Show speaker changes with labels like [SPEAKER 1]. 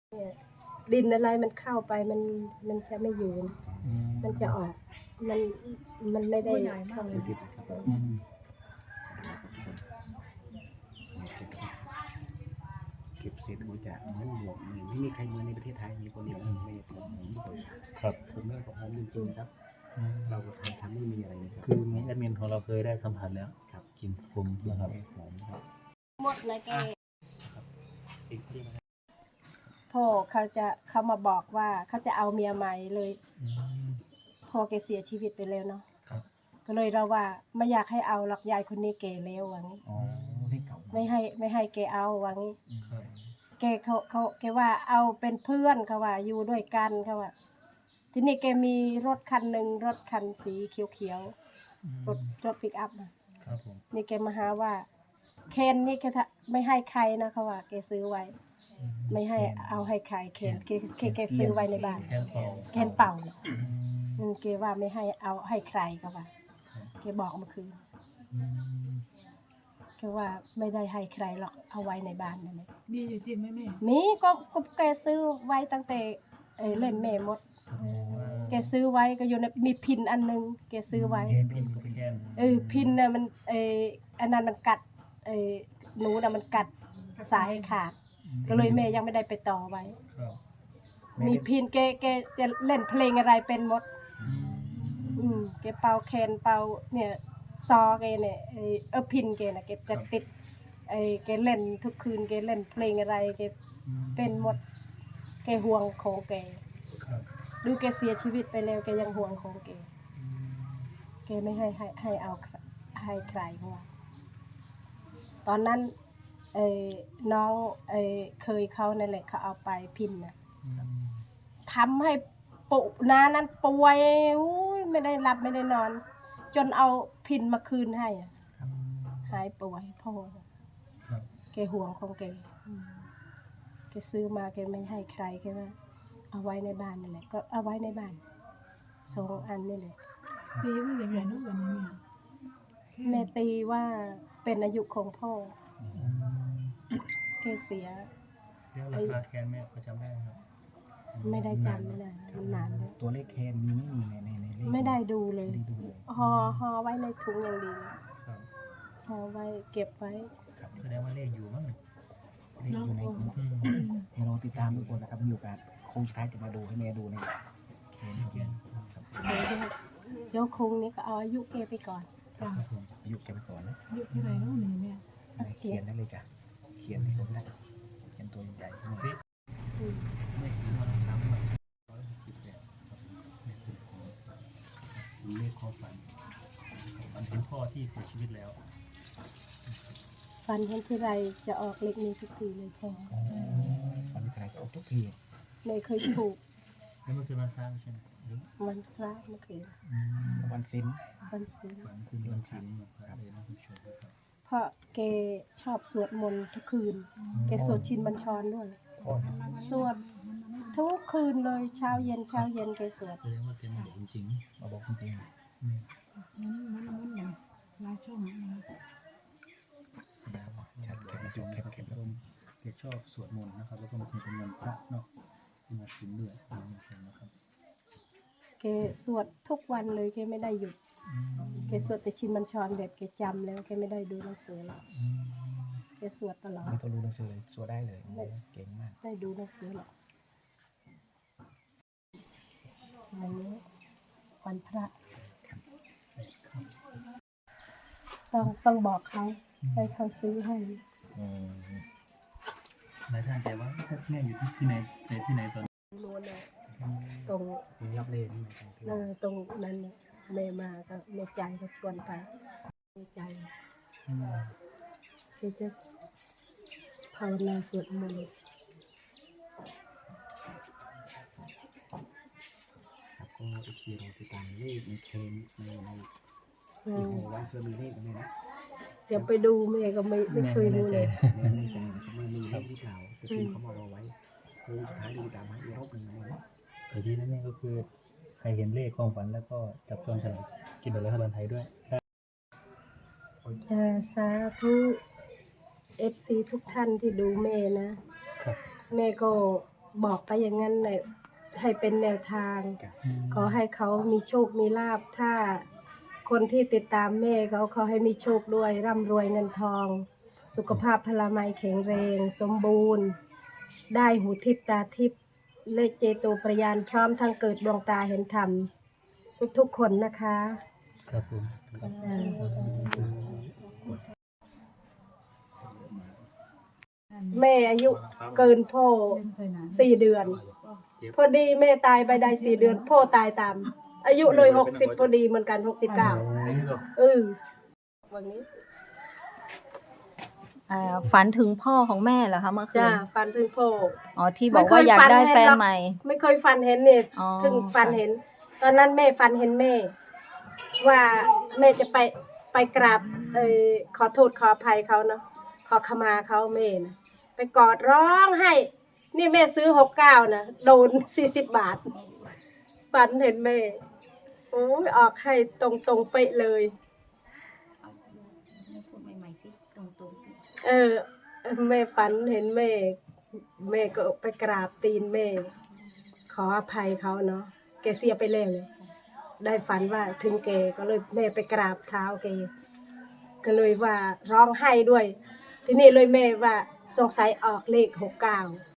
[SPEAKER 1] เนี่ยดินอะไรมันเข้าไปมันจะไม่อยู่นะมันจะออกมันมันไม่ได้เข้าไป
[SPEAKER 2] ติดครับเก็บเศษบริจาคเหมือนหมวกไม่มีใครเหมือนในประเทศไทยมีคนเดียวไม่ผมทุกคน
[SPEAKER 3] ครับ
[SPEAKER 2] ผมแม่ของผมจริงๆครับเราทำไม่มีอะไรนะครับ
[SPEAKER 3] คือมีแอดมินของเราเคยได้สัมผัสแล้ว
[SPEAKER 2] ครับ
[SPEAKER 3] กลิ่นผมนะครับ
[SPEAKER 2] หอมครับ
[SPEAKER 1] หมดนะแก
[SPEAKER 2] อีกที่นะครับ
[SPEAKER 1] พ่อเขามาบอกว่าเขาจะเอาเมียใหม่เลยพ่อแกเสียชีวิตไปแล้วเนาะก็เลยเราว่าไม่อยากให้เอาหลักยายคนนี้แก่แล้วว่างี้
[SPEAKER 2] อ๋อที่เก่า
[SPEAKER 1] ไม่ให้แกเอาว่างี้แกแกว่าเอาเป็นเพื่อนเขาว่าอยู่ด้วยกันเขาว่าทีนี้แกมีรถคันหนึ่งรถคันสีเขียวๆรถปิกอัพนะครับ
[SPEAKER 3] ผม
[SPEAKER 1] นี่แกมาหาว่าเคนนี่แกไม่ให้ใครนะเขาว่าแกซื้อไว้ไม่ให้เอาให้ใครเคนแกซื้อไว้ในบ้านเคนเป่าแกว่าไม่ให้เอาให้ใครเขาว่าแกบอกเมื่อคืนแกว่าไม่ได้ให้ใครหรอกเอาไว้ในบ้านนั่นแหละ
[SPEAKER 4] มีอยู่จริงไหมแม่
[SPEAKER 1] มีก็แกซื้อไว้ตั้งแต่เล่นแม่มดแกซื้อไว้ก็อยู่ในมีพินอันนึงแกซื้อไว้
[SPEAKER 3] พินกับแคน
[SPEAKER 1] พินน่ะมันอันนั้นมันกัดหนูน่ะมันกัดสายขาดก็เลยแม่ยังไม่ได้ไปต่อไว้มีพินแกจะเล่นเพลงอะไรเป็นหมดแกเป่าแคนเป่าเนี่ยซอแกเนี่ยพินแกน่ะแกจะติดแกเล่นทุกคืนแกเล่นเพลงอะไรแกเป็นหมดแกห่วงของแกดูแกเสียชีวิตไปแล้วแกยังห่วงของแกไม่ให้เอาให้ใครเพราะว่าตอนนั้นน้องเคยเขานั่นแหละเขาเอาไปพินน่ะทำให้ปุนานั้นป่วยไม่ได้หลับไม่ได้นอนจนเอาพินมาคืนให้หายป่วยพ่อแกห่วงของแกซื้อมาแกไม่ให้ใครแกว่าเอาไว้ในบ้านนั่นแหละก็เอาไว้ในบ้าน2 อันนี่แหละ
[SPEAKER 4] ตีว่าอย่างไรนู้นวันนี้
[SPEAKER 1] แม่ตีว่าเป็นอายุของพ่อแกเสีย
[SPEAKER 3] แล้วราคาแคนแม่เขาจำได้ครับ
[SPEAKER 1] ไม่ได้จำไม่ได้มันนานแล้ว
[SPEAKER 2] ตัวเลขแคนมีไม่มีในเลข
[SPEAKER 1] ไม่ได้ดูเลยห่อไว้ในถุงอย่างดีห่อไว้เก็บไว้
[SPEAKER 3] แสดงว่าเลขอยู่มั้ง
[SPEAKER 2] เลขอยู่ในให้เราติดตามทุกคนนะครับมีโอกาสคงสุดท้ายจะมาดูให้แม่ดูในแคน
[SPEAKER 1] เดี๋ยวคงนี้ก็เอาอายุแกไปก่อน
[SPEAKER 2] อายุแกไปก่อนนะ
[SPEAKER 4] อายุเท่าไหร่นู้นแม่
[SPEAKER 2] เขียนได้เลยจ้ะเขียนให้ผมได้เขียนตัวใหญ่ๆนี่
[SPEAKER 3] ไม่ถึงวัน3 วัน160เนี่ยเลขความฝันเป็นพ่อที่เสียชีวิตแล้ว
[SPEAKER 1] ฟันเห็นที่ไรจะออกเล็กนี้ทุกทีเลยพ่อ
[SPEAKER 2] ฟันที่ไรจะออกทุกที
[SPEAKER 1] ไม่เคยถูก
[SPEAKER 3] แล้วมันคือวันพระใช่ไหม
[SPEAKER 1] วันพระเมื่อคืน
[SPEAKER 2] วันศีล
[SPEAKER 3] ฝันคือวันศีลครับเลยนะคุณผู้ชมครับ
[SPEAKER 1] เพราะแกชอบสวดมนต์ทุกคืนแกสวดชินบัญชรด้วยสวดทุกคืนเลยเช้าเย็นแกสวด
[SPEAKER 3] แสดงว่าเป็นบอกจริง
[SPEAKER 2] มาบอกจริง
[SPEAKER 4] มันลายช่อง
[SPEAKER 3] แสดงว่าชัดแข็งต้นแกชอบสวดมนต์นะครับแล้วก็มันเป็นมนต์พระเนาะที่มาถึงด้วยนะครับ
[SPEAKER 1] แกสวดทุกวันเลยแกไม่ได้หยุดแกสวดแต่ชินบัญชรแบบแกจำแล้วแกไม่ได้ดูหนังสือแล้วแกสวดตลอด
[SPEAKER 2] ไม่ต้องดูหนังสือเลยสวดได้เลยเก่งมาก
[SPEAKER 1] ได้ดูหนังสือหรอกวันนี้วันพระต้องบอกเขาให้เขาซื้อให้
[SPEAKER 3] หลายท่านแต่ว่าแม่อยู่ที่ไหนที่ไหนตอน
[SPEAKER 1] นู้นเลยตรง
[SPEAKER 2] ยับเล่น
[SPEAKER 1] ตรงนั้นแม่มาก็แม่ใจก็ชวนไปแม่ใจที่จะภาวนาสวดมนต์
[SPEAKER 2] ก็อีกทีเราติดตามเลขในเคนในอีกหัววันเคยมีเลขไหมนะ
[SPEAKER 1] อย่าไปดูแม่ก็ไม่เคยดูเลย
[SPEAKER 2] ไม่ใจนะครับไม่มีเลขที่เก่าแต่ที่เขาบอกเอาไว้โค้งสุดท้ายดูตามให้รอบหนึ่งนะ
[SPEAKER 3] แต่ที่นั่นก็คือใครเห็นเลขความฝันแล้วก็จับจองฉลากกินแบบรัฐบาลไทยด้วย
[SPEAKER 1] สาธุ FC ทุกท่านที่ดูแม่นะแม่ก็บอกไปอย่างนั้นเลยให้เป็นแนวทาง ขอให้เขามีโชคมีลาภถ้าคนที่ติดตามแม่เขาขอให้มีโชคด้วยร่ำรวยเงินทอง สุขภาพพลามัยแข็งแรง สมบูรณ์ ได้หูทิพตาทิพเลขเจโตประยานพร้อมทั้งเกิดดวงตาเห็นธรรมทุกๆคนนะคะ
[SPEAKER 3] ครับผม
[SPEAKER 1] แม่อายุเกินพ่อ
[SPEAKER 4] เล่นใส่หนัง
[SPEAKER 1] 4 เดือน พอดีแม่ตายไปได้4 เดือน พ่อตายตาม อายุเลย60พอดีเหมือนกัน69วันนี้
[SPEAKER 5] ฝันถึงพ่อของแม่เหรอคะเมื่อคื
[SPEAKER 1] จ้าน ฟันถึงพ่อ
[SPEAKER 5] อ๋อที่บอกว่าอยากได้แฟนใหม่
[SPEAKER 1] ไม่เคยฟันเห็นเนี่ย
[SPEAKER 5] อ๋อ
[SPEAKER 1] ถึงฟันเห็น ตอนนั้นแม่ฟันเห็นแม่ ว่าแม่จะไปกราบขอโทษขออภัยเขาเนาะขอขมาเขาแม่นะไปกอดร้องให้ นี่แม่ซื้อ69นะโดน40 บาทฟันเห็นแม่โอ้ยออกให้ตรงเป๊ะเลย แม่ฝันเห็นแม่ แม่ก็ไปกราบตีนแม่ ขออภัยเขาเนาะแกเสียไปแล้วเลยได้ฝันว่าถึงแกก็เลยแม่ไปกราบเท้าแกก็เลยว่าร้องไห้ด้วย ทีนี้เลยแม่ว่าสงสัยออกเลข69